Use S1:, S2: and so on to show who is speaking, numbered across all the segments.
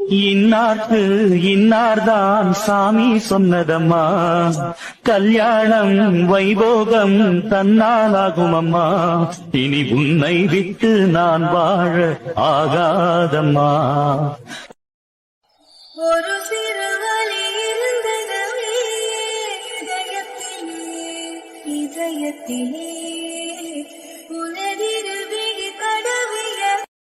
S1: இன்னார்க்கு இன்னார்தான் சாமி சொன்னதம்மா, கல்யாணம் வைபோகம் தன்னாலாகும் அம்மா, இனி உன்னை விட்டு நான் வாழ ஆகாதம்மா.
S2: ஒரு சிறு வழி இருந்ததவே இதயத்திலே, இதயத்திலே உனதிரு விழி தடவிய.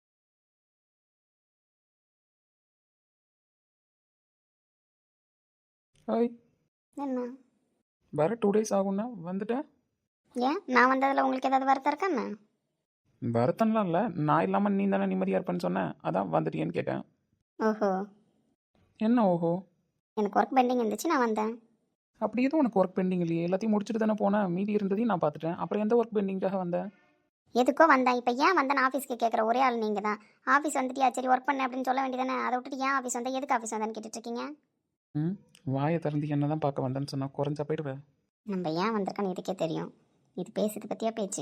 S3: ஹாய்.
S4: என்ன
S3: வர 2 days ஆகும்னா வந்துட்டேன்.
S4: ஏன் நான் வந்ததில் உங்களுக்கு ஏதாவது வருத்தம் இருக்கா என்ன?
S3: வருத்தம்லாம் இல்லை, நான் இல்லாமல் நீ தானே நிம்மதியாக இருப்பேன்னு சொன்னேன், அதான் வந்துட்டியேன்னு கேட்டேன்.
S4: ஓஹோ,
S3: என்ன ஓஹோ?
S4: எனக்கு ஒர்க் பெண்டிங் இருந்துச்சு, நான் வந்தேன்.
S3: அப்படி எதுவும் உனக்கு ஒர்க் பெண்டிங் இல்லையே, எல்லாத்தையும் முடிச்சுட்டு தானே போனேன், மீதி இருந்ததையும் நான் பார்த்துட்டேன். அப்புறம் எந்த ஒர்க் பெண்டிங்காக வந்தேன்?
S4: எதுக்கோ வந்தேன். இப்போ ஏன் வந்தேன் ஆஃபீஸ்க்கு கேட்குற ஒரே ஆள் நீங்கள் தான். ஆஃபீஸ் வந்துட்டியா, சரி ஒர்க் பண்ண அப்படின்னு சொல்ல வேண்டியதானே. அதை விட்டுட்டு ஏன் ஆஃபீஸ் வந்தேன், எதுக்கு ஆஃபீஸ் வந்தேன்னு கேட்டுட்ருக்கீங்க?
S3: வாயை திறந்து என்ன தான் பார்க்க வந்தேன்னு சொன்னால் குறைஞ்சா போயிடுவேன்.
S4: நம்ம ஏன் வந்திருக்கோன்னு இதுக்கே தெரியும். இது பேசுறது பற்றியா பேச்சு?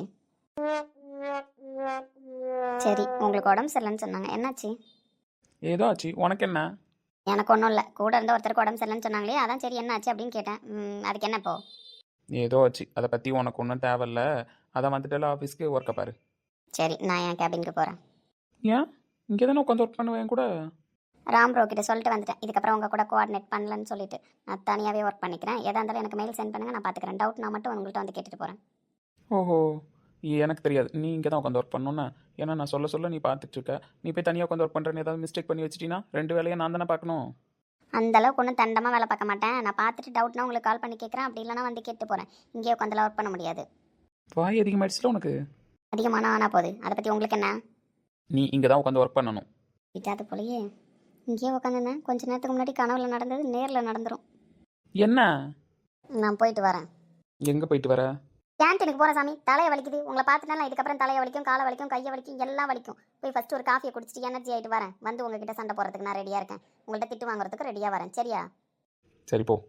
S4: சரி, உங்களுக்கு உடம்பு சரியில்லைன்னு சொன்னாங்க, என்னாச்சு?
S3: ஏதோ ஆச்சு, உனக்கு என்ன?
S4: எனக்கு ஒன்றும் இல்லை, கூட இருந்த ஒருத்தருக்கு உடம்பு சரியில்லைன்னு சொன்னாங்களே, அதான் சரி என்னாச்சு அப்படின்னு கேட்டேன். அதுக்கு என்ன இப்போ?
S3: ஏதோ ஆச்சு, அதை பற்றி உனக்கு ஒன்றும் தேவையில்ல. அதான் வந்துட்டால ஆஃபீஸ்க்கு ஒர்க்கை பாரு.
S4: சரி, நான் என் கேபினுக்கு போகிறேன்.
S3: ஏன் இங்கே தானே உட்காந்து ஒர்க் பண்ணுவேன் கூட?
S4: ராம் ப்ரோ கிட்ட சொல்லிட்டு வந்துட்டேன், இதுக்கப்புறம் உங்கள் கூட கோஆர்டினேட் பண்ணலன்னு சொல்லிட்டு நான் தனியாகவே ஒர்க் பண்ணிக்கிறேன். எதாக இருந்தாலும் எனக்கு மெயில் சென்ட் பண்ணுங்கள், நான் பார்த்துக்கிறேன். டவுட் நான் மட்டும் உங்கள்கிட்ட வந்து கேட்டுட்டு போகிறேன்.
S3: ஓஹோ, எனக்கு தெரியாது நீ இங்கே தான் உட்காந்து ஒர்க் பண்ணணுன்னு. ஏன்னா நான் சொல்ல நீ பார்த்துட்டு இருக்க. நீ போய் தனியாக உட்காந்து ஒர்க் பண்ணுறேன்னு ஏதாவது மிஸ்டேக் பண்ணி வச்சிட்டீங்கன்னா 2 வேலையை நான் தானே பார்க்கணும்.
S4: அந்தளவுக்கு ஒன்றும் தண்டமாக வேலை பார்க்க மாட்டேன். நான் பார்த்துட்டு டவுட்னா உங்களுக்கு கால் பண்ணி கேட்குறேன், அப்படி இல்லைனா வந்து கேட்டு போகிறேன். இங்கேயே உட்காந்துலாம் ஒர்க் பண்ண முடியாது.
S3: வாய் அதிகமாகிடுச்சுல உனக்கு.
S4: அதிகமான ஆனால் போகுது, அதை பற்றி உங்களுக்கு என்ன?
S3: நீ இங்கே தான் உட்காந்து ஒர்க் பண்ணணும்.
S4: விட்டாது போலயே. இங்கேயே உட்காந்துருந்தேன், கொஞ்ச நேரத்துக்கு முன்னாடி கனவுல நடந்தது நேரில் நடந்துடும்.
S3: என்ன?
S4: நான் போயிட்டு வரேன்.
S3: எங்கே போயிட்டு வர?
S4: கேன்டீனுக்கு போகிறேன் சாமி, தலையை வலிக்குது. உங்களை பார்த்துட்டாலும் இதுக்கப்புறம் தலையை வலிக்கும், காலை வலிக்கும், கையை வலிக்கும், எல்லாம் வலிக்கும். போய் ஃபஸ்ட்டு ஒரு காஃபியை குடிச்சிட்டு எனர்ஜி ஆகிட்டு வரேன். வந்து உங்ககிட்ட சண்டை போகிறதுக்கு நான் ரெடியாக இருக்கேன். உங்கள்கிட்ட திட்டு வாங்குறதுக்கு ரெடியாக வரேன், சரியா?
S3: சரி போ.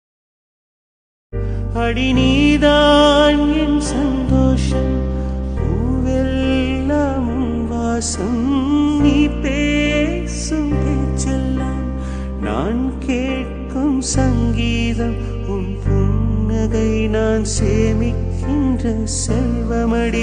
S1: அடி நீதான் என் சந்தோஷம், பூவெல்லாம் வாசம், நீ பேசும் பேச்செல்லாம் நான் கேட்கும் சங்கீதம், உன் புன்னகை நான் சேமிக்கின்ற செல்வமடி,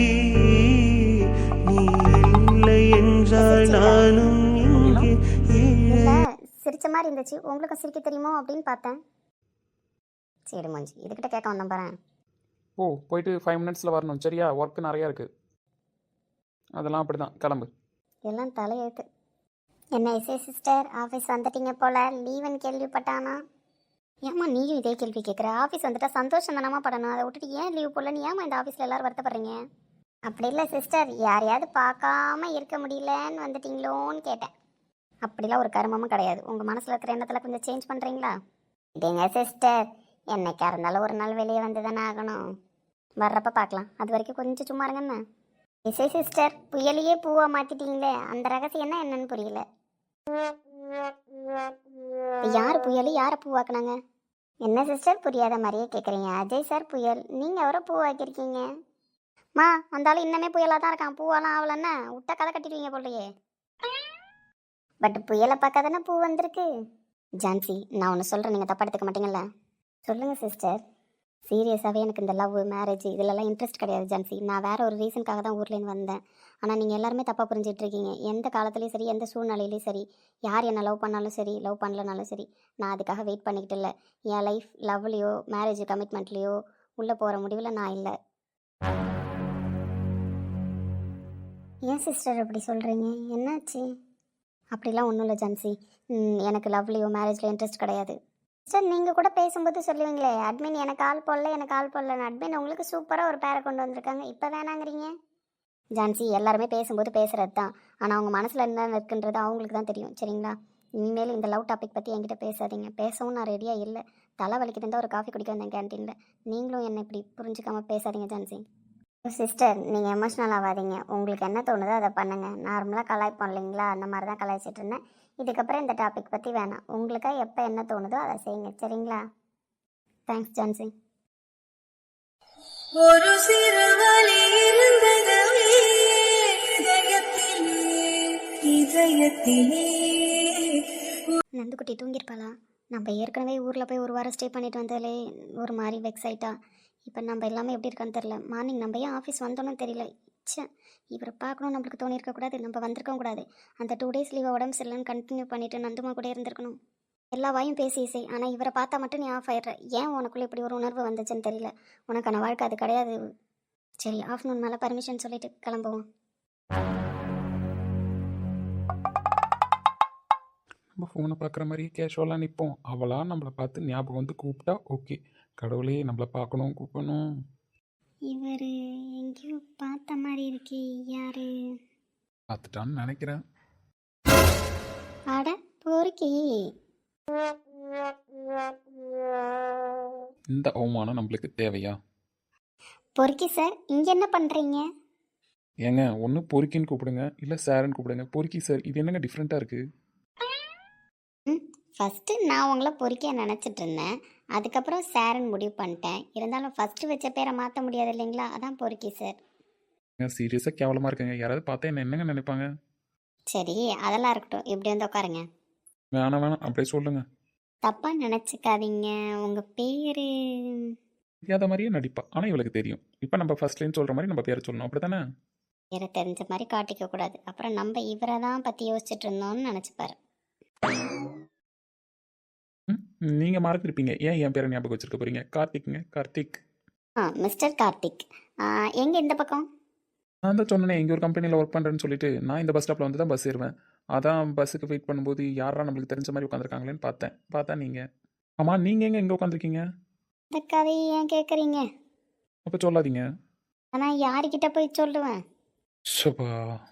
S1: நீ இல்லை என்றால் நானும் இங்கே
S4: இல்லை, சிரிச்ச மாதிரி இருந்துச்சு, உங்களுக்கும் சிரிக்க தெரியுமோ அப்படின்னு பார்த்தேன். சரி மஞ்சி, இதுக்கிட்ட கேட்க வந்தேன் பாரு.
S3: ஓ, போயிட்டு 5 minutesல வரணும், சரியா? ஒர்க்கு நிறையா இருக்குது, அதெல்லாம் அப்படி தான், கிளம்பு.
S4: எல்லாம் தலையெழுத்து. என்ன இசை சிஸ்டர், ஆஃபீஸ் வந்துட்டீங்க போல, லீவுன்னு கேள்விப்பட்டானா? ஏம்மா நீயும் இதே கேள்வி கேட்குற? ஆஃபீஸ் வந்துட்டா சந்தோஷம் தானமா படணும், அதை விட்டுட்டு ஏன் லீவ் போடல? நீ ஏமா இந்த ஆஃபீஸில் எல்லோரும் வருத்தப்படுறீங்க? அப்படி இல்லை சிஸ்டர், யாரையாவது பார்க்காம இருக்க முடியலன்னு வந்துட்டீங்களோன்னு கேட்டேன். அப்படிலாம் ஒரு கருமமும் கிடையாது. உங்கள் மனசில் இருக்கிற எண்ணத்தில் கொஞ்சம் சேஞ்ச் பண்ணுறீங்களா? இதேங்க சிஸ்டர், என்னைக்கா இருந்தாலும் ஒரு நாள் வெளியே வந்து தானே ஆகணும். வர்றப்ப பார்க்கலாம், அது வரைக்கும் கொஞ்சம் சும்மா இருங்கண்ணா. இசை சிஸ்டர், புயலையே பூவா மாற்றிட்டீங்களே, அந்த ரகசியம் என்ன என்னன்னு புரியல. யார் புயல், யாரை பூவாக்குனாங்க? என்ன சிஸ்டர் புரியாத மாதிரியே கேட்குறீங்க? அஜய் சார் புயல், நீங்கள் அவரை பூவாக்கியிருக்கீங்க. மா, அந்த ஆள் இன்னமே புயலாக தான் இருக்கான், பூவெல்லாம் ஆகலன்னா விட்டா கதை கட்டிடுவீங்க போலையே. பட் புயலை பார்க்க தானே பூ வந்திருக்கு. ஜான்சி, நான் ஒன்று சொல்கிறேன், நீங்கள் தப்பா எடுத்துக்க மாட்டீங்கல்ல? சொல்லுங்கள் சிஸ்டர். சீரியஸாகவே எனக்கு இந்த லவ், மேரேஜ் இதிலெல்லாம் இன்ட்ரெஸ்ட் கிடையாது ஜான்சி. நான் வேறு ஒரு ரீசனுக்காக தான் ஊர்லேருந்து வந்தேன். ஆனால் நீங்கள் எல்லாருமே தப்பாக புரிஞ்சிட்ருக்கீங்க. எந்த காலத்துலேயும் சரி, எந்த சூழ்நிலையிலையும் சரி, யார் என்ன லவ் பண்ணாலும் சரி, லவ் பண்ணலனாலும் சரி, நான் அதுக்காக வெயிட் பண்ணிக்கிட்டு இல்லை. என் லைஃப் லவ்லேயோ மேரேஜ் கமிட்மெண்ட்லேயோ உள்ளே போகிற முடிவில் நான் இல்லை. ஏன் சிஸ்டர் அப்படி சொல்கிறீங்க? என்னாச்சு? அப்படிலாம் ஒன்றும் இல்லை ஜான்சி, எனக்கு லவ்லேயோ மேரேஜ்லேயோ இன்ட்ரெஸ்ட் கிடையாது. சார், நீங்கள் கூட பேசும்போது சொல்லுவீங்களே, அட்மின் எனக்கு கால் போடல, எனக்கு கால் போடலன்னு. அட்மின் உங்களுக்கு சூப்பராக ஒரு பேரை கொண்டு வந்திருக்காங்க, இப்போ வேணாங்கிறீங்க? ஜான்சி, எல்லாருமே பேசும்போது பேசுகிறது தான், ஆனால் அவங்க மனசில் என்ன இருக்குன்றது அவங்களுக்கு தான் தெரியும், சரிங்களா? இனிமேல் இந்த லவ் டாபிக் பற்றி என்கிட்ட பேசாதீங்க. பேசவும் நான் ரெடியாக இல்லை. தலை வலிக்கு இருந்தால் ஒரு காஃபி குடிக்க வந்தேன் கேன்டீனில். நீங்களும் என்னை இப்படி புரிஞ்சுக்காமல் பேசாதீங்க ஜான்சி. சிஸ்டர், நீங்கள் எமோஷ்னல் ஆகாதீங்க. உங்களுக்கு என்ன தோணுதோ அதை பண்ணுங்கள். நார்மலாக கலாய்ப்போம் இல்லைங்களா, அந்த மாதிரி தான் கலாய்ச்சிட்டு இருந்தேன். இதுக்கப்புறம் இந்த டாபிக் பற்றி வேணாம். உங்களுக்காக எப்போ என்ன தோணுதோ அதை செய்யுங்க, சரிங்களா? தேங்க்ஸ் ஜான்சி.
S2: ஒரு சிறு வழி இருந்ததவே இதயத்திலே, இதயத்திலே
S4: நந்துக்குட்டி தூங்கியிருப்பாளா? நம்ம ஏற்கனவே ஊரில் போய் ஒரு வாரம் ஸ்டே பண்ணிட்டு வந்தாலே ஒரு மாதிரி வெக்ஸ் ஆயிட்டா. இப்போ நம்ம எல்லாமே எப்படி இருக்கான்னு தெரில. மார்னிங் நம்ம ஏன் ஆஃபீஸ் வந்தோன்னு தெரியல. ச்சே, இவரை பார்க்கணும் நம்மளுக்கு தோணியிருக்கக்கூடாது. நம்ம வந்திருக்கவும் கூடாது. அந்த 2 days லீவை உடம்பு சரியில்லைன்னு கண்டினியூ பண்ணிவிட்டு நந்துமா கூட இருந்திருக்கணும். எல்லா வாயும் பேசி இசை. ஆனால் இவரை பார்த்தா மட்டும் நீ ஆஃப் ஆயிடுற. ஏன் உனக்குள்ளே இப்படி ஒரு உணர்வு வந்துச்சுன்னு தெரியல. உனக்கான வாழ்க்கை அது கிடையாது. சரி, ஆஃப்டர்நூன் மேலே பர்மிஷன் சொல்லிட்டு கிளம்புவோம்.
S3: நம்ம ஃபோனை பார்க்குற மாதிரியே கேஷுவலாக நிற்போம். அவளாக நம்மளை பார்த்து ஞாபகம் வந்து கூப்பிட்டா ஓகே. கடவுளே நம்மளை பார்க்கணும் கூப்பிடணும்.
S4: இவர் எங்கேயோ பார்த்த மாதிரி இருக்கே. யாரு?
S3: பார்த்துட்டான்னு நினைக்கிறேன்.
S4: அட பொறுக்கி.
S3: இந்த அவமானம் நம்மளுக்கு தேவையா?
S4: பொறுக்கி சார், இங்கே என்ன பண்ணுறீங்க?
S3: ஏங்க ஒன்று பொறுக்கின்னு கூப்பிடுங்க, இல்லை சாருன்னு கூப்பிடுங்க. பொறுக்கி சார், இது என்னங்க டிஃப்ரெண்ட்டாக இருக்குது?
S4: ஃபஸ்ட்டு நான் உங்களை பொறுக்கிய நினச்சிட்டு இருந்தேன். அதுக்கப்புறம் சாருன்னு முடிவு பண்ணிட்டேன். இருந்தாலும் ஃபஸ்ட்டு வச்ச பேரை மாற்ற முடியாது இல்லைங்களா? அதான் பொறுக்கி சார்.
S3: சீரியஸாக கேவலமாக இருக்குங்க. யாராவது பார்த்தா என்ன என்னங்க நினைப்பாங்க?
S4: சரி, அதெல்லாம் இருக்கட்டும். இப்படி வந்து உட்காருங்க.
S3: வேணாம் அப்படியே சொல்லுங்கள்.
S4: தப்பாக நினச்சிக்காதீங்க. உங்கள் பேர்?
S3: தெரியாத மாதிரியே நடிப்பா, ஆனால் இவளுக்கு தெரியும். இப்போ நம்ம ஃபர்ஸ்ட்லேன்னு சொல்கிற மாதிரி நம்ம பேரை சொல்லணும், அப்படி தானே?
S4: பேரை தெரிஞ்ச மாதிரி காட்டிக்க கூடாது. அப்புறம் நம்ம இவரை தான் பற்றி யோசிச்சுட்டு இருந்தோம்னு நினச்சிப்பாரு.
S3: நீங்கள் மறந்துருப்பீங்க. ஏன் என் பேரை ஞாபகம் வச்சிருக்க போகிறீங்க? கார்த்திக்ங்க, கார்த்திக்.
S4: மிஸ்டர் கார்த்திக். எங்கே இந்த பக்கம்?
S3: நான் தான் சொன்னேனே, இங்கே ஒரு கம்பெனியில் ஒர்க் பண்ணுறேன்னு சொல்லிட்டு நான் இந்த பஸ் ஸ்டாப்பில் வந்து தான் பஸ் ஏறுவேன். அதான் பஸ்ஸுக்கு வெயிட் பண்ணும்போது யாரா நம்மளுக்கு தெரிஞ்ச மாதிரி உட்காந்துருக்காங்களேன்னு பார்த்தா நீங்கள். ஆமாம், நீங்கள் எங்கே உட்காந்துருக்கீங்க?
S4: இந்த கதையை ஏன் கேட்குறீங்க?
S3: அப்போ சொல்லாதீங்க.
S4: ஆனால் யாருக்கிட்ட போய் சொல்லுவேன்?
S3: ஷபா,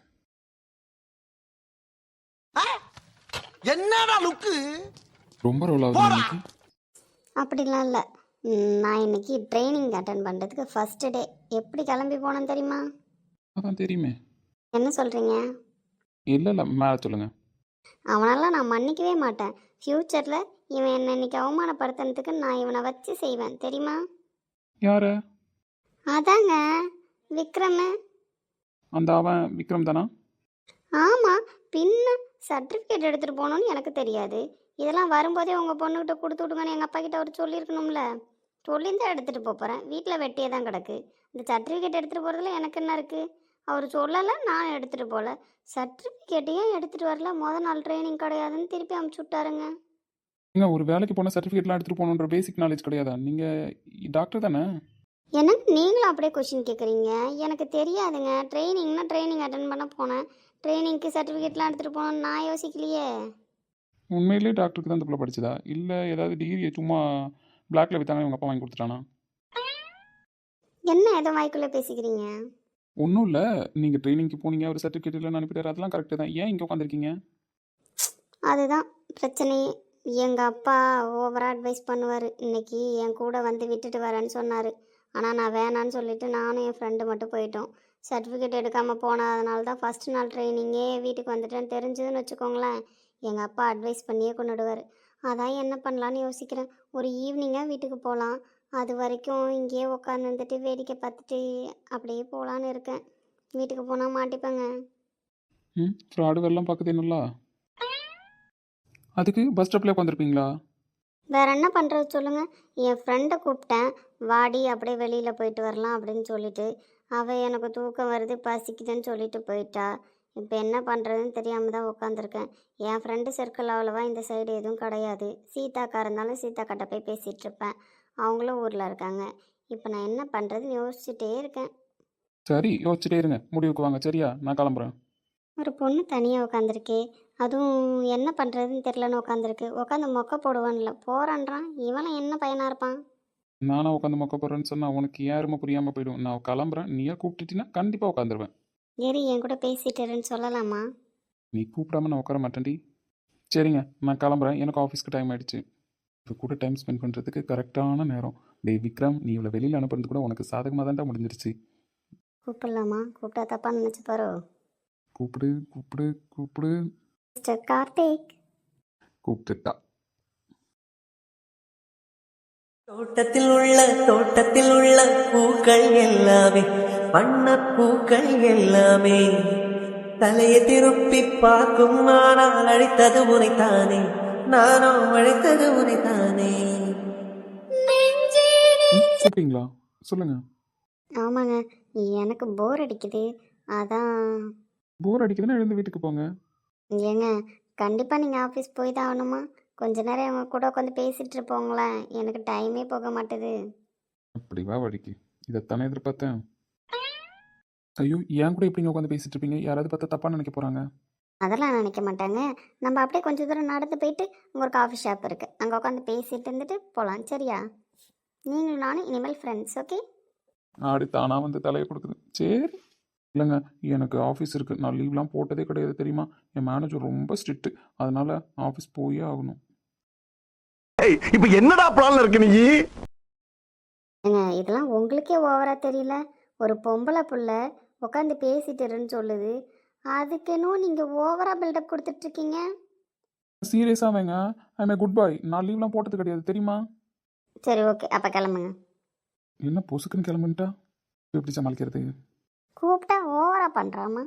S1: என்னடா லுக்கு?
S3: ரொம்ப ரோல் ஆகுது இன்னைக்கு.
S4: அப்படிலாம் இல்லை. நான் இன்னைக்கு ட்ரைனிங் அட்டன் பண்ணுறதுக்கு ஃபஸ்ட்டு டே. எப்படி கிளம்பி போனேன்னு தெரியுமா?
S3: அதான் தெரியுமே.
S4: என்ன சொல்கிறீங்க?
S3: இல்லை மேலே சொல்லுங்கள்.
S4: அவனெல்லாம் நான் மன்னிக்கவே மாட்டேன். ஃப்யூச்சரில் இவன் என்னை இன்னைக்கு அவமானப்படுத்துறதுக்கு நான் இவனை வச்சு செய்வேன் தெரியுமா?
S3: யாரு?
S4: அதாங்க விக்ரம்.
S3: அந்த அவன் விக்ரம் தானா?
S4: ஆமாம், பின்ன சர்டிஃபிகேட் எடுத்துகிட்டு போகணுன்னு எனக்கு தெரியாது. இதெல்லாம் வரும்போதே உங்கள் பொண்ணுக்கிட்ட கொடுத்து விடுங்கன்னு எங்கள் அப்பா கிட்ட அவர் சொல்லியிருக்கணும்ல. சொல்லியிருந்தா எடுத்துகிட்டு போகிறேன். வீட்டில் வெட்டியே தான் கிடக்கு. இந்த சர்டிஃபிகேட் எடுத்துகிட்டு போகிறதுல எனக்கு என்ன இருக்குது? அவர் சொல்லலை, நான் எடுத்துகிட்டு போகல. சர்டிஃபிகேட்டையும் எடுத்துகிட்டு வரல. நாள் ட்ரைனிங் கிடையாதுன்னு திருப்பி அமுச்சு விட்டாருங்க.
S3: ஏங்க, ஒரு வேலைக்கு போனால் சர்டிஃபிகேட்லாம் எடுத்துகிட்டு போகணுன்ற பேசிக் நாலேஜ் கிடையாதா? நீங்கள் டாக்டர் தானே?
S4: எனக்கு நீங்களும் அப்படியே கொஷின் கேட்குறீங்க. எனக்கு தெரியாதுங்க. ட்ரைனிங்னா ட்ரைனிங் அட்டன் பண்ண போனேன். ட்ரைனிங்க்கு சர்டிஃபிகேட்லாம் எடுத்துகிட்டு போகணுன்னு நான் யோசிக்கலையே.
S3: உண்மையிலேயே டாக்டருக்கு தான் இந்த பிள்ளை படிச்சதா? இல்லை ஏதாவது டிகிரியை சும்மா பிளாக்ல விற்றாங்க இவங்க அப்பா வாங்கி கொடுத்துட்டானா?
S4: என்ன ஏதோ வாய்க்குள்ளே பேசிக்கிறீங்க?
S3: ஒன்றும் இல்லை, நீங்கள் ட்ரைனிங்க்கு போனீங்க, ஒரு சர்டிஃபிகேட் இல்லைன்னு அனுப்பிட்டார், அதெல்லாம் கரெக்டு தான். ஏன் இங்கே உட்காந்துருக்கீங்க?
S4: அதுதான் பிரச்சனையே. எங்கள் அப்பா ஓவராக அட்வைஸ் பண்ணுவார். இன்னைக்கு என் கூட வந்து விட்டுட்டு வரேன்னு சொன்னார். ஆனால் நான் வேணான்னு சொல்லிவிட்டு நானும் என் ஃப்ரெண்டு மட்டும் போயிட்டோம். சர்டிஃபிகேட் எடுக்காமல் போனதுனால தான் ஃபஸ்ட்டு நாள் ட்ரைனிங்கே வீட்டுக்கு வந்துட்டேன்னு தெரிஞ்சதுன்னு வச்சுக்கோங்களேன். எங்கள் அப்பா அட்வைஸ் பண்ணியே கொண்டுடுவார். அதான் என்ன பண்ணலான்னு யோசிக்கிறேன். ஒரு ஈவினிங்காக வீட்டுக்கு போகலாம். அது வரைக்கும் இங்கேயே உட்காந்து வந்துட்டு வேடிக்கை பார்த்துட்டு அப்படியே போகலான்னு இருக்கேன். வீட்டுக்கு போனால் மாட்டிப்பேங்க.
S3: ஃப்ராடு வெள்ளம் பார்க்குது என்னங்களா? அதுக்கு பஸ் ஸ்டாப்லேயே உட்காந்துருப்பீங்களா?
S4: வேற என்ன பண்ணுறது சொல்லுங்கள். என் ஃப்ரெண்டை கூப்பிட்டேன், வாடி அப்படியே வெளியில் போயிட்டு வரலாம் அப்படின்னு சொல்லிட்டு. அவள் எனக்கு தூக்கம் வருது பசிக்குதுன்னு சொல்லிட்டு போயிட்டா. இப்போ என்ன பண்ணுறதுன்னு தெரியாமல் தான் உட்காந்துருக்கேன். என் ஃப்ரெண்டு சர்க்கிள் அவ்வளோவா இந்த சைடு எதுவும் கிடையாது. சீதாக்கா இருந்தாலும் சீதாக்கிட்ட போய் பேசிகிட்டு இருப்பேன். அவங்களும் ஊரில் இருக்காங்க. இப்போ நான் என்ன பண்ணுறதுன்னு யோசிச்சுட்டே இருக்கேன்.
S3: சரி, யோசிச்சுட்டே இருங்க, முடிவுக்கு வாங்க. சரியா, நான் கிளம்புறேன்.
S4: ஒரு பொண்ணு தனியாக உட்காந்துருக்கே, அதுவும் என்ன பண்ணுறதுன்னு தெரிலன்னு உட்காந்துருக்கு. உட்காந்து மொக்க போடுவான்ல, போகிறான்றான். இவனை என்ன பையனாக இருப்பான்?
S3: நானும் உட்காந்து மொக்க போகிறேன்னு சொன்னால் உனக்கு யாருமே புரியாமல் போயிடும். நான் கிளம்புறேன், நீயே கூப்பிட்டுட்டீங்கன்னா கண்டிப்பாக உட்காந்துருவேன்.
S4: ஏறி என் கூட பேசிட்டுருன்னு சொல்லலாமா?
S3: நீ கூப்பிடாம நான் உட்கார மாட்டேன்டி. சரிங்க, நான் கிளம்புறேன். எனக்கு ஆஃபீஸ்க்கு டைம் ஆகிடுச்சு. இப்போ கூட டைம் ஸ்பெண்ட் பண்ணுறதுக்கு கரெக்டான நேரம். விக்ரம், நீ இவ்வளோ வெளியில் அனுப்புறது கூட உனக்கு சாதகமாக தான்டா முடிஞ்சிருச்சு.
S4: கூப்பிடலாமா? கூப்பிட்டா தப்பாக நினச்சிப்பாரோ?
S3: கூப்பிடு கூப்பிடு கூப்பிடு.
S4: மிஸ்டர் கார்த்திக்.
S3: கூப்பிட்டுட்டா.
S1: தோட்டத்தில் உள்ள பூக்கள் எல்லாமே வண்ண பூக்கள் எல்லாமே தலையை திருப்பி பார்க்கும் ஆனால் அழைத்தது உனைத்தானே நானும் அழைத்தது உனைத்தானே.
S2: நெஞ்சே
S3: கூப்பிட்டீங்களா? சொல்லுங்கள்.
S4: ஆமாங்க, எனக்கு போர் அடிக்குது. அதான்.
S3: போர் அடிக்குதுன்னா எழுந்து வீட்டுக்கு போங்க.
S4: ஏங்க, கண்டிப்பாக நீங்கள் ஆஃபீஸ் போய் தான் ஆகணுமா? கொஞ்ச நேரம் அவங்க கூட உட்காந்து பேசிகிட்டு இருப்போங்களேன். எனக்கு டைமே போக மாட்டுது.
S3: அப்படி வா வழிக்கு. இதைத்தானே எதிர்பார்த்தேன். ஐயோ, ஏன் கூட எப்படிங்க உட்காந்து பேசிட்டு இருப்பீங்க? யாராவது பார்த்தா தப்பாக நினைக்க போகிறாங்க.
S4: அதெல்லாம் நினைக்க மாட்டாங்க. நம்ம அப்படியே கொஞ்சம் தூரம் நடந்து போயிட்டு அங்கே ஒரு காஃபி ஷாப் இருக்குது, அங்கே உட்காந்து பேசிட்டு இருந்துட்டு போகலாம். சரியா? நீங்களும் நானும் இனிமேல் ஃப்ரெண்ட்ஸ். ஓகே?
S3: ஆடி தானாக வந்து தலையை கொடுக்குது. சரி. இல்லைங்க, எனக்கு ஆஃபீஸ் இருக்குது. நான் லீவ்லாம் போட்டதே கிடையாது தெரியுமா? என் மேனேஜர் ரொம்ப ஸ்ட்ரிக்ட்டு. அதனால் ஆஃபீஸ் போயே ஆகணும்.
S5: இப்ப என்னடா பிளான்ல இருக்கு நீ?
S4: ஏங்க, இதெல்லாம் உங்களுக்கே ஓவராக தெரியல? ஒரு பொம்பளை புள்ள உட்காந்து பேசிட்டு இருன்னு சொல்லுது, அதுக்கேனோ நீங்கள் ஓவராக பில்டப் கொடுத்துட்ருக்கீங்க.
S3: சீரியஸாக வைங்க. I good boy. நான் லீவ்லாம் போட்டது கிடையாது தெரியுமா?
S4: சரி, ஓகே, அப்போ கிளம்புங்க.
S3: என்ன பொசுக்குன்னு கிளம்பிட்டா எப்படி சமாளிக்கிறது?
S4: கூப்பிட்டா ஓவராக பண்ணுறாமா?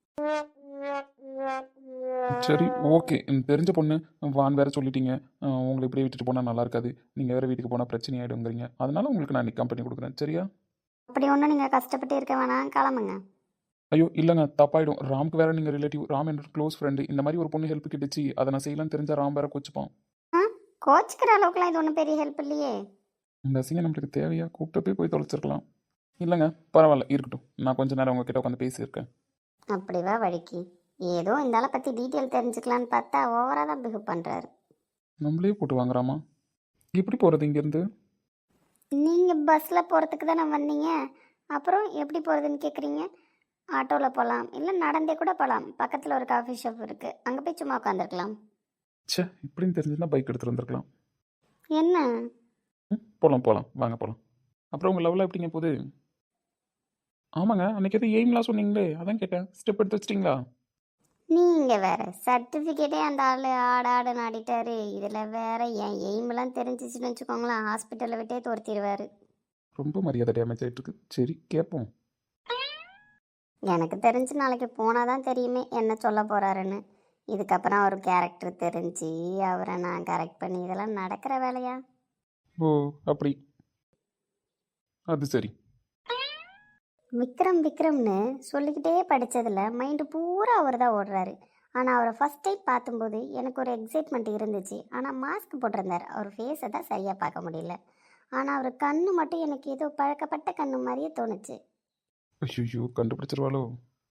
S3: சரி, ஓகே. எனக்கு தெரிஞ்ச பொண்ணு வான் வேற சொல்லிட்டீங்க. உங்களை இப்படியே விட்டுட்டு போனால் நல்லா இருக்காது. நீங்கள் வேறு வீட்டுக்கு போனால் பிரச்சனை ஆகிடுங்கிறீங்க. அதனால உங்களுக்கு நான் இன்னைக்கு கம்பெனி கொடுக்குறேன். சரியா?
S4: அப்படி ஒன்றும் நீங்கள் கஷ்டப்பட்டு இருக்க வேணாம், கிளம்புங்க.
S3: ஐயோ இல்லைங்க, தப்பாயிடும். ராம்க்கு வேற நீங்கள் ரிலேட்டிவ். ராம் என்னோட க்ளோஸ் ஃப்ரெண்டு. இந்த மாதிரி ஒரு பொண்ணு ஹெல்ப் கிட்டுச்சு, அதை நான் செய்யலாம்னு தெரிஞ்சால் ராம் வேற கொச்சுப்பான்.
S4: ஆ, கோச்சிக்கிற அளவுக்குலாம் இது ஒன்றும் பெரிய ஹெல்ப் இல்லையே.
S3: இந்த அசிங்கம் நம்மளுக்கு தேவையா? கூப்பிட்டு போய் தொலைச்சிருக்கலாம். இல்லைங்க, பரவாயில்ல, இருக்கட்டும். நான் கொஞ்ச நேரம் உங்ககிட்ட உட்காந்து பேசியிருக்கேன்.
S4: அப்படிவா வழிக்கு? ஏதோ இந்த ஆளை பற்றி டீட்டெயில் தெரிஞ்சுக்கலான்னு பார்த்தா ஓவராக தான் பிஹேவ் பண்ணுறாரு.
S3: நம்மளே போட்டு வாங்குறாமா? எப்படி போகிறது இங்கேருந்து?
S4: நீங்கள் பஸ்ஸில் போகிறதுக்கு தானே வந்தீங்க, அப்புறம் எப்படி போகிறதுன்னு கேட்குறீங்க? ஆட்டோவில் போகலாம், இல்லை நடந்தே கூட போகலாம். பக்கத்தில் ஒரு காஃபி ஷாப் இருக்குது, அங்கே போய் சும்மா உட்காந்துருக்கலாம்.
S3: ச்சே, இப்படின்னு தெரிஞ்சுன்னா பைக் எடுத்துகிட்டு வந்திருக்கலாம்.
S4: என்ன?
S3: போகலாம் வாங்க போகலாம். அப்புறம் உங்கள் லெவலில் எப்படிங்க போகுது? ஆமாங்க, அன்றைக்கி எதுவும் எய்ம்லாம் சொன்னீங்களே, அதான் கேட்டேன். ஸ்டெப் எடுத்து வச்சிட்டிங்களா?
S4: நீங்கள் வேறு சர்டிஃபிகேட்டே அந்த ஆள் ஆடுன்னு ஆடிட்டாரு. இதில் வேறு என் எய்மெல்லாம் தெரிஞ்சிச்சுன்னு வச்சுக்கோங்களேன், ஹாஸ்பிட்டலில் விட்டே துரத்திடுவார்.
S3: ரொம்ப மரியாதை டேமேஜ் ஆகிட்டுருக்கு. சரி, கேட்போம்.
S4: எனக்கு தெரிஞ்சு நாளைக்கு போனால் தான் தெரியுமே என்ன சொல்ல போகிறாருன்னு. இதுக்கப்புறம் அவர் கேரக்டர் தெரிஞ்சு அவரை நான் கரெக்ட் பண்ணி இதெல்லாம் நடக்கிற வேலையா?
S3: ஓ, அப்படி. அது சரி.
S4: விக்ரம்னு சொல்லிக்கிட்டே படித்ததில் மைண்டு பூரா அவர் தான் ஓடுறாரு. ஆனால் அவரை ஃபஸ்ட் டைம் பார்க்கும்போது எனக்கு ஒரு எக்ஸைட்மெண்ட் இருந்துச்சு. ஆனால் மாஸ்க் போட்டிருந்தார், அவர் ஃபேஸை தான் சரியாக பார்க்க முடியல. ஆனால் அவர் கண்ணு மட்டும் எனக்கு ஏதோ பழக்கப்பட்ட கண்ணு மாதிரியே தோணுச்சு.
S3: ஐயோ, கண்டுபிடிச்சிருவாளோ?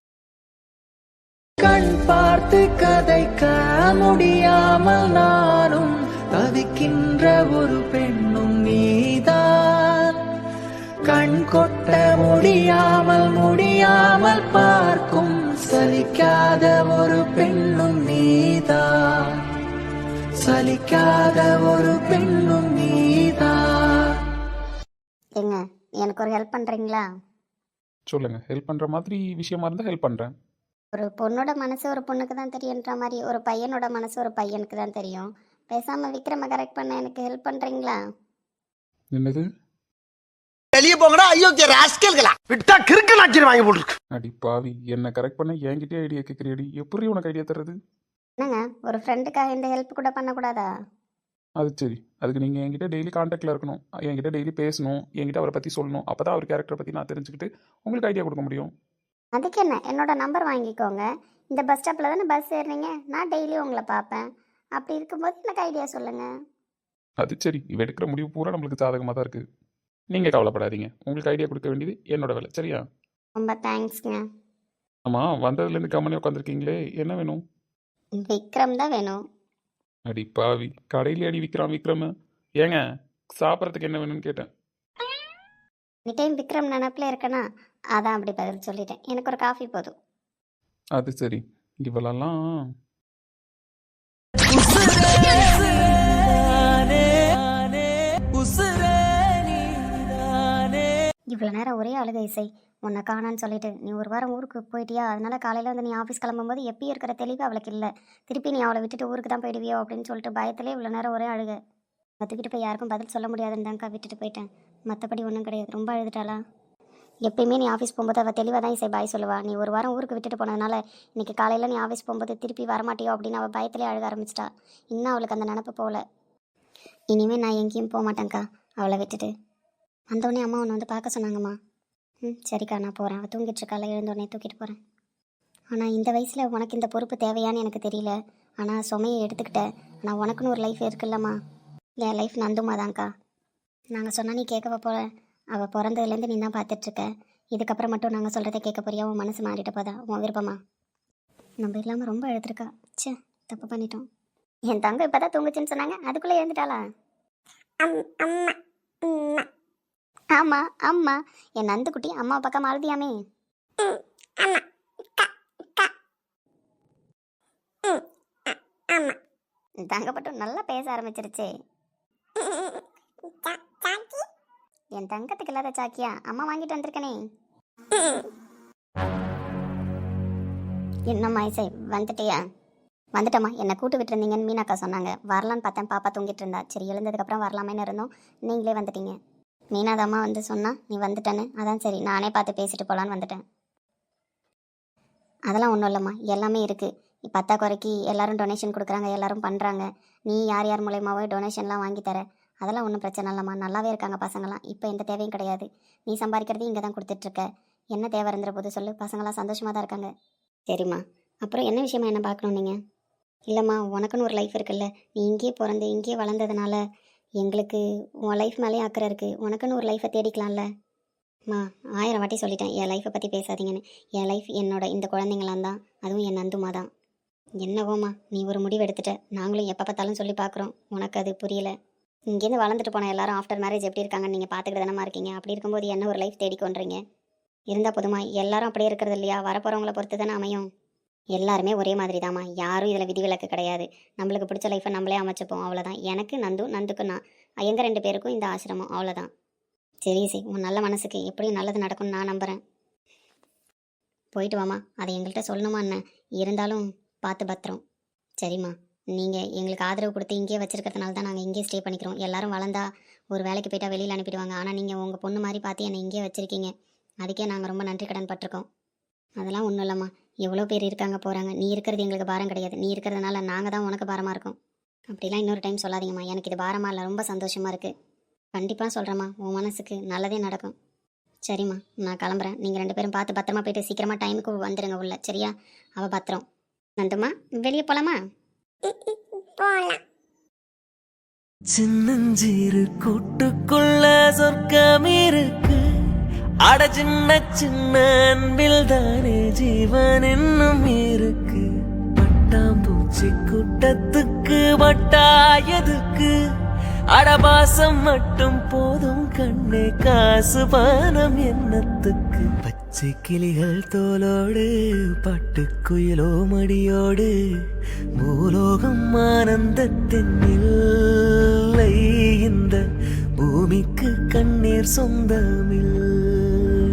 S1: கண் பார்த்து கதைக்க முடியாமல் நானும் தவிக்கின்ற ஒரு பெண்ணும் நீதான். கண் கொட்ட முடியாமல் பார்க்கும் சலிக்காத ஒரு பெண்ணும் நீதான். சலிக்காத ஒரு பெண்ணும் நீதான்.
S4: ஏங்க, எனக்கு ஒரு ஹெல்ப் பண்ணுறீங்களா?
S3: சொல்லுங்கள். ஹெல்ப் பண்ணுற மாதிரி விஷயமா இருந்தால் ஹெல்ப் பண்ணுறேன்.
S4: ஒரு பொண்ணோட மனசு ஒரு பொண்ணுக்கு தான் தெரியுன்ற மாதிரி ஒரு பையனோட மனசு ஒரு பையனுக்கு தான் தெரியும். பேசாமல் விக்ரமை கரெக்ட் பண்ண எனக்கு ஹெல்ப் பண்ணுறீங்களா?
S3: என்னது?
S5: வெளியே போங்கடா, அயோக்கிய ராஸ்கல்களா. விட்டா கிறுக்கு நாக்கி வாங்கி போட்டுருக்கு.
S3: அடி பாவி, என்ன கரெக்ட் பண்ண என்கிட்டயே ஐடியா கேட்குறியடி. எப்படி உனக்கு ஐடியா தர்றது?
S4: என்னங்க, ஒரு ஃப்ரெண்டுக்காக இந்த ஹெல்ப் கூட பண்ணக்கூடாதா?
S3: அது சரி. அதுக்கு நீங்கள் என்கிட்ட டெய்லி காண்டாக்டில் இருக்கணும், என்கிட்ட டெய்லி பேசணும், என்கிட்ட அவரை பற்றி சொல்லணும். அப்போ தான் அவர் கேரக்டரை பற்றி நான் தெரிஞ்சுக்கிட்டு உங்களுக்கு ஐடியா கொடுக்க முடியும்.
S4: அதுக்கு என்ன, என்னோட நம்பர் வாங்கிக்கோங்க. இந்த பஸ் ஸ்டாப்பில் தானே பஸ் ஏறுறீங்க, நான் டெய்லியும் உங்களை பார்ப்பேன். அப்படி இருக்கும்போது எனக்கு ஐடியா சொல்லுங்கள்.
S3: அது சரி. இவ எடுக்கிற முடிவு பூரா நம்மளுக்கு சாதகமாக தான் இருக்குது. நீங்கள் கவலைப்படாதீங்க. உங்களுக்கு ஐடியா கொடுக்க வேண்டியது என்னோட வேலை. சரியா?
S4: ரொம்ப தேங்க்ஸ்ங்க.
S3: ஆமாம், வந்ததுலேருந்து கம்மனே உட்காந்துருக்கீங்களே, என்ன வேணும்?
S4: விக்ரம் தான் வேணும்.
S3: அடி பாவி, கடையிலே அடி விக்ரம். ஏங்க, சாப்பிட்றதுக்கு என்ன வேணும்னு கேட்டேன்.
S4: எனி டைம் விக்ரம் நினப்பில் இருக்கேனா, அதான் அப்படி பதில் சொல்லிட்டேன். எனக்கு ஒரு காஃபி போதும்.
S3: அது சரி. இவளெல்லாம்
S4: இவ்வளோ நேரம் ஒரே அழுகை இசை. உன்னை காணான்னு சொல்லிட்டு நீ ஒரு வாரம் ஊருக்கு போயிட்டியா, அதனால காலையில் வந்து நீ ஆஃபீஸ் கிளம்பும்போது எப்பயும் இருக்கிற தெளிவு அவளுக்கு இல்லை. திருப்பி நீ அவளை விட்டுட்டு ஊருக்கு தான் போயிடுவியோ அப்படின்னு சொல்லிட்டு பயத்திலே இவ்வளோ நேரம் ஒரே அழுகை. கற்றுக்கிட்டு போய் யாருக்கும் பதில் சொல்ல முடியாதுன்னு தான்க்கா விட்டுட்டு போயிட்டேன். மற்றபடி ஒன்றும் கிடையாது. ரொம்ப அழுதுட்டாளா? எப்பயுமே நீ ஆஃபீஸ் போகும்போது அவள் தெளிவாக தான் இசை பாய் சொல்லுவா. நீ ஒரு வாரம் ஊருக்கு விட்டுட்டு போனதுனால இன்னைக்கு காலையில் நீ ஆஃபீஸ் போகும்போது திருப்பி வரமாட்டியோ அப்படின்னு அவள் பயத்திலே அழுக ஆரம்பிச்சிட்டா. இன்னும் அவளுக்கு அந்த நினப்பு போகல. இனிமேல் நான் எங்கேயும் போக மாட்டேங்க்கா அவளை விட்டுட்டு. வந்தோடனே அம்மா ஒன்று வந்து பார்க்க சொன்னாங்கம்மா. சரிக்கா நான் போகிறேன். அவள் தூங்கிட்டு இருக்கால, எழுந்தோடனே தூக்கிட்டு போகிறேன். ஆனால் இந்த வயசில் உனக்கு இந்த பொறுப்பு தேவையான்னு எனக்கு தெரியல. ஆனால் சுமையை எடுத்துக்கிட்டேன். ஆனால் உனக்குன்னு ஒரு லைஃப் இருக்குல்லம்மா. என் லைஃப் நந்துமா தான்க்கா. நாங்கள் சொன்னால் நீ கேட்கவ போல. அவள் பிறந்ததுலேருந்து நீ தான் பார்த்துட்ருக்க. இதுக்கப்புறம் மட்டும் நாங்கள் சொல்கிறத கேட்க போறியா? உன் மனசு மாறிட்ட போதா? உன் விருப்பமா? நம்ம இல்லாமல் ரொம்ப எழுத்துருக்கா. ச்சே, தப்பு பண்ணிட்டோம். என் தங்க இப்போ தான் தூங்குச்சுன்னு சொன்னாங்க, அதுக்குள்ளே எழுந்துட்டாளா? ஆமாம் அம்மா. என் நந்துக்குட்டி அம்மா பக்கம் அழுதியாமே. தங்கப்பட்டும் நல்லா பேச ஆரம்பிச்சிருச்சே. என் தங்கத்துக்கு இல்லாத சாக்கியா அம்மா வாங்கிட்டு வந்திருக்கனே. என்னம்மா இசை வந்துட்டியா? வந்துட்டம்மா. என்னை கூட்டு விட்டுருந்தீங்கன்னு மீனாக்கா சொன்னாங்க. வரலான்னு பார்த்தேன், பாப்பா தூங்கிட்டு இருந்தா. சரி எழுந்ததுக்கப்புறம் வரலாமேன்னு இருந்தோம். நீங்களே வந்துட்டீங்க. மீனாதாம்மா வந்து சொன்னா நீ வந்துட்டேன்னு. அதான் சரி நானே பார்த்து பேசிட்டு போகலான்னு வந்துட்டேன். அதெல்லாம் ஒன்றும் இல்லைம்மா, எல்லாமே இருக்குது. பத்தாக்குறைக்கு எல்லாரும் டொனேஷன் கொடுக்குறாங்க, எல்லாரும் பண்ணுறாங்க. நீ யார் யார் மூலயமாவோ டொனேஷன்லாம் வாங்கி தர. அதெல்லாம் ஒன்றும் பிரச்சனை இல்லைம்மா. நல்லாவே இருக்காங்க பசங்களாம். இப்போ எந்த தேவையும் கிடையாது. நீ சம்பாதிக்கிறது இங்கே தான் கொடுத்துட்ருக்க. என்ன தேவை இருந்துற போது சொல்லு. பசங்களாம் சந்தோஷமாக தான் இருக்காங்க. சரிம்மா. அப்புறம் என்ன விஷயமா என்ன பார்க்கணும் நீங்கள்? இல்லைம்மா, உனக்குன்னு ஒரு லைஃப் இருக்குல்ல. நீ இங்கேயே பிறந்து இங்கேயே வளர்ந்ததுனால எங்களுக்கு உன் லைஃப் மேலேயும் அக்கறை இருக்குது. உனக்குன்னு ஒரு லைஃப்பை தேடிக்கலாம்ல. அம்மா 1000 வாட்டி சொல்லிட்டேன் என் லைஃப்பை பற்றி பேசாதீங்கன்னு. என் லைஃப் என்னோட இந்த குழந்தைங்களாம் தான். அதுவும் என் நந்துமா தான். என்னவோம்மா நீ ஒரு முடிவு எடுத்துட்ட. நாங்களும் எப்போ பார்த்தாலும் சொல்லி பார்க்குறோம். உனக்கு அது புரியல. இங்கேருந்து வளர்ந்துட்டு போன எல்லாரும் ஆஃப்டர் மேரேஜ் எப்படி இருக்காங்கன்னு நீங்கள் பார்த்துக்கிட்டு தானே இருக்கீங்க. அப்படி இருக்கும்போது என்ன ஒரு லைஃப் தேடிக்கொன்றீங்க? இருந்தால் போதுமா? எல்லாரும் அப்படியே இருக்கிறது இல்லையா? வரப்போகிறவங்கள பொறுத்து தானே அமையும். எல்லாருமே ஒரே மாதிரி தாம்மா. யாரும் இதில் விதிவிலக்கு கிடையாது. நம்மளுக்கு பிடிச்ச லைஃப்பை நம்மளே அமைச்சுப்போம், அவ்வளோதான். எனக்கு நந்துக்கு நான் எங்கள் 2 பேருக்கும் இந்த ஆசிரமம், அவ்வளோதான். சரி சரி, உன் நல்ல மனசுக்கு எப்படியும் நல்லது நடக்கும்னு நான் நம்புகிறேன். போயிட்டு வாம்மா. அதை எங்கள்கிட்ட சொல்லணுமா என்ன? இருந்தாலும் பார்த்து பத்திரம். சரிம்மா. நீங்கள் எங்களுக்கு ஆதரவு கொடுத்து இங்கேயே வச்சுருக்கிறதுனால தான் நாங்கள் இங்கேயே ஸ்டே பண்ணிக்கிறோம். எல்லாரும் வளர்ந்தா ஒரு வேலைக்கு போயிட்டா வெளியில் அனுப்பிடுவாங்க. ஆனால் நீங்கள் உங்கள் பொண்ணு மாதிரி பார்த்து என்னை இங்கேயே வச்சுருக்கீங்க. அதுக்கே நாங்கள் ரொம்ப நன்றி கடன் பட்டிருக்கோம். அதெல்லாம் ஒன்றும் இல்லைம்மா. எவ்வளோ பேர் இருக்காங்க போகிறாங்க. நீ இருக்கிறது எங்களுக்கு பாரம் கிடையாது. நீ இருக்கிறதுனால நாங்கள் தான் உனக்கு பாரமாக இருக்கோம். அப்படிலாம் இன்னொரு டைம் சொல்லாதீங்கம்மா. எனக்கு இது பாரமாக இல்லை, ரொம்ப சந்தோஷமாக இருக்குது. கண்டிப்பாக சொல்கிறேம்மா, உன் மனசுக்கு நல்லதே நடக்கும். சரிம்மா, நான் கிளம்புறேன். நீங்கள் 2 பேரும் பார்த்து பத்திரமா போயிட்டு சீக்கிரமாக டைமுக்கு வந்துடுங்க உள்ள. சரியா? அவள் பத்திரம். நந்துமா, வெளியே போகலாமா?
S2: போலாம்.
S1: சின்னஞ்சிறு கூட்டுக்குள்ள சொர்க்கம் இருக்கு. அட சின்ன சின்ன அன்பில் தானே ஜீவன் இன்னும் இருக்கு. பட்டாம்பூச்சி கூட்டத்துக்கு வட்டாயதுக்கு. அடபாசம் மட்டும் போதும் கண்ணே, காசு பானம் எண்ணத்துக்கு. பச்சை கிளிகள் தோலோடு பட்டுக்குயிலோ மடியோடு. பூலோகம் ஆனந்தத்தின் இல்லை. இந்த பூமிக்கு கண்ணீர் சொந்தமில்லை.